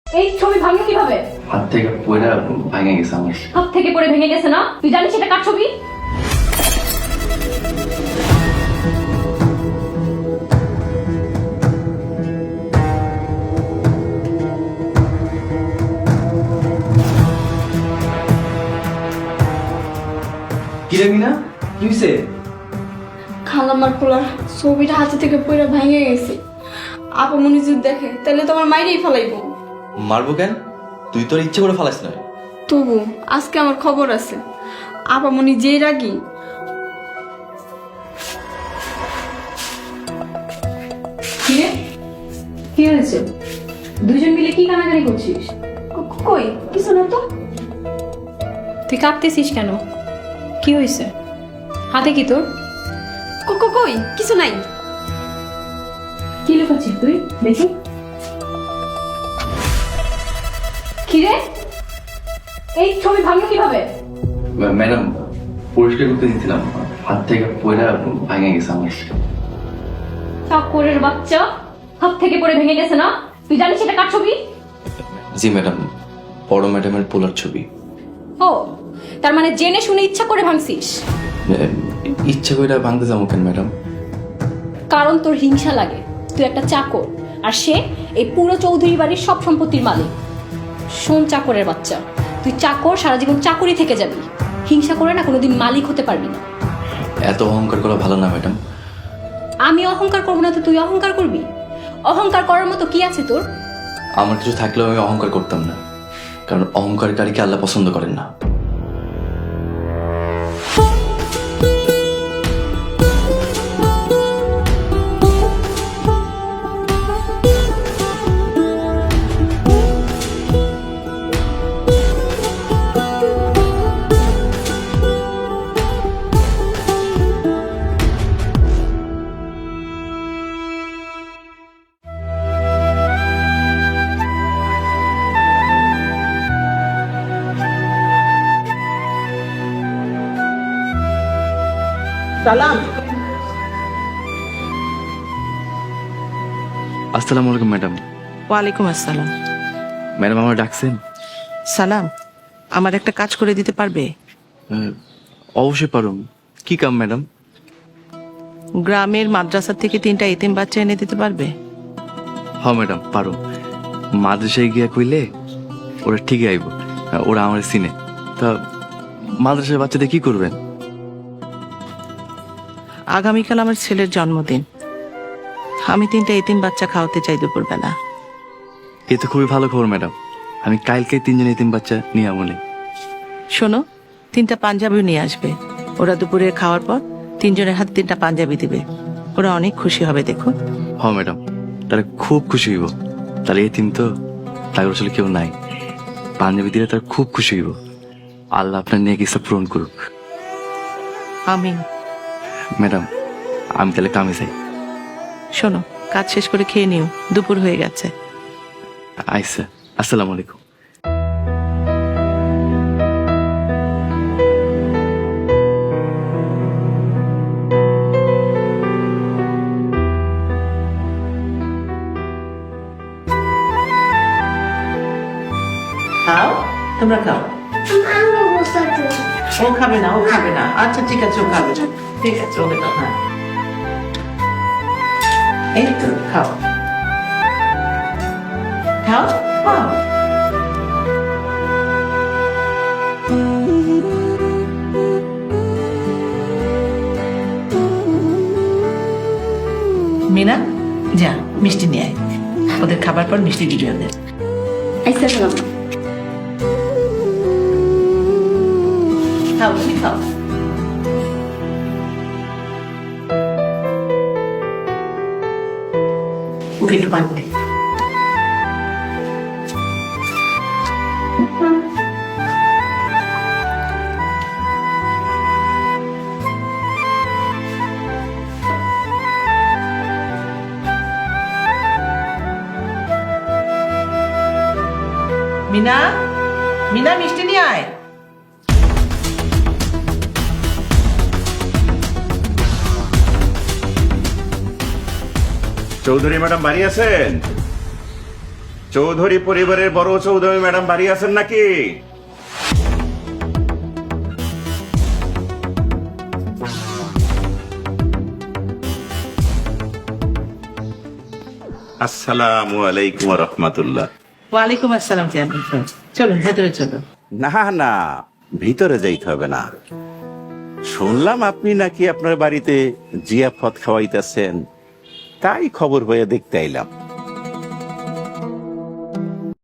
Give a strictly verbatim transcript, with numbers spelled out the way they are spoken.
এই ছবি ভাঙলো কিভাবে? হাত থেকে পড়ে ভেঙে গেছে আমার। হাত থেকে পড়ে ভেঙে গেছে না? তুই জানিস এটা কার ছবি? কি রে মিনা, কি হইছে? খালামার পোলার ছবিটা হাতে থেকে পড়ে ভেঙে গেছে। আপা মনি যদি দেখে তাহলে তোমার মাইরেই ফেলাইবো। মারবো কেন? তুই তোর ইচ্ছে করে ফালাস না। তবু আজকে আমার খবর আছে, আপা মনি যেই রাগি। কি রে, কি হয়েছে? দুজন মিলে কি কানাকানি করছিস? ক- কই কিছু না তো। তুই কাঁপতেছিস কেন? কি হয়েছে? হাতে কি তোর? ক- ক- কই কিছু নাই। কি লুকাচ্ছিস তুই? দেখি। কি রে, এই ছবি ভাঙলো কিভাবে? ম্যাডাম, পরিষ্কার করতে দিয়েছিলাম, হাত থেকে পড়ে ভেঙে গেছে আমার। চাকরের বাচ্চা, হাত থেকে পড়ে ভেঙে গেছে না? তুই জানিস এটা কার ছবি? জি ম্যাডাম, বড় ম্যাডামের পোলার ছবি। ও, তার মানে জেনে শুনে ইচ্ছা করে ভাঙছিস? ইচ্ছা করে ভাঙতে যাবো কেন ম্যাডাম? কারণ তোর হিংসা লাগে। তুই একটা চাকর, আর সে এই পুরো চৌধুরী বাড়ির সব সম্পত্তির মালিক। শোন চাকরের বাচ্চা, তুই চাকর, সারা জীবন চাকরি থেকে যাবি। হিংসা করে না কোনোদিন মালিক হতে পারবি না। এত অহংকার করা ভালো না ম্যাডাম। আমি অহংকার করবো না তো তুই অহংকার করবি? অহংকার করার মতো কি আছে তোর? আমার কিছু থাকলেও আমি অহংকার করতাম না, কারণ অহংকারীকে আল্লাহ পছন্দ করেন না। সালাম। আসসালামু আলাইকুম ম্যাডাম। ওয়ালাইকুম আসসালাম। ম্যাডাম আমার ডাকছেন? সালাম, আমার একটা কাজ করে দিতে পারবে? আহ, অবশ্যই পারুম। কি কাম ম্যাডাম? গ্রামের মাদ্রাসা থেকে তিনটা এতিম বাচ্চা এনে দিতে পারবে? হ্যাঁ ম্যাডাম পারুম। মাদ্রাসায় গিয়া কইলে ওরা ঠিকই আইব, ওরা আমার চিনে। তা মাদ্রাসার বাচ্চাদের কি করবেন? আগামীকাল আমার ছেলের জন্মদিন, আমি তিনটা এতিম বাচ্চা খাওয়াতে চাই দুপুরবেলা। এ তো খুবই ভালো খবর ম্যাডাম। আমি কালকে তিনজন এতিম বাচ্চা নিয়ে আমলে। শোনো, তিনটা পাঞ্জাবিও নিয়ে আসবে। ওরা দুপুরে খাওয়ার পর তিনজনের হাতে তিনটা পাঞ্জাবি দিবে। ওরা অনেক খুশি হবে, দেখো। হ্যাঁ ম্যাডাম, তাহলে খুব খুশি হইব। তাহলে এতিম তো, তার আসলে কেউ নাই। পাঞ্জাবি দিলে তার খুব খুশি হইব। আল্লাহ আপনার নিয়ে কিছু পূরণ করুক। আমি ম্যাডাম আমি তাহলে কামে যাই। শোনো, কাজ শেষ করে খেয়ে নিও, দুপুর হয়ে গেছে। আচ্ছা, আসসালামু আলাইকুম। খাও, তোমরা খাও। ও খাবে না, ও খাবে না। আচ্ছা ঠিক আছে, ও খাবে না। ঠিক আছে, ওকে দাও। হ্যাঁ, এই তো খাও খাও খাও। মিনা, যা মিষ্টি নিয়ে আয়। ওদের খাবার পর মিষ্টি দিবি ওদের। আইসা সালাম। খাও, তুমি খাও। ওকে একটু পানি দে। মিনা, মিনা মিষ্টি নিয়ে আয়। চৌধুরী ম্যাডাম বাড়ি আছেন? চৌধুরী পরিবারের বড় চৌধুরী ম্যাডাম বাড়ি আছেন নাকি? আসসালামু আলাইকুম রহমতুল্লাহ। ওয়ালাইকুম আসসালাম চেয়ারম্যান সাহেব। চলুন ভেতরে চলুন। না না, ভিতরে যাইতে হবে না। শুনলাম আপনি নাকি আপনার বাড়িতে জিয়াফত খাওয়াইতেছেন, তাই খবর হয়ে দেখতে আইলাম।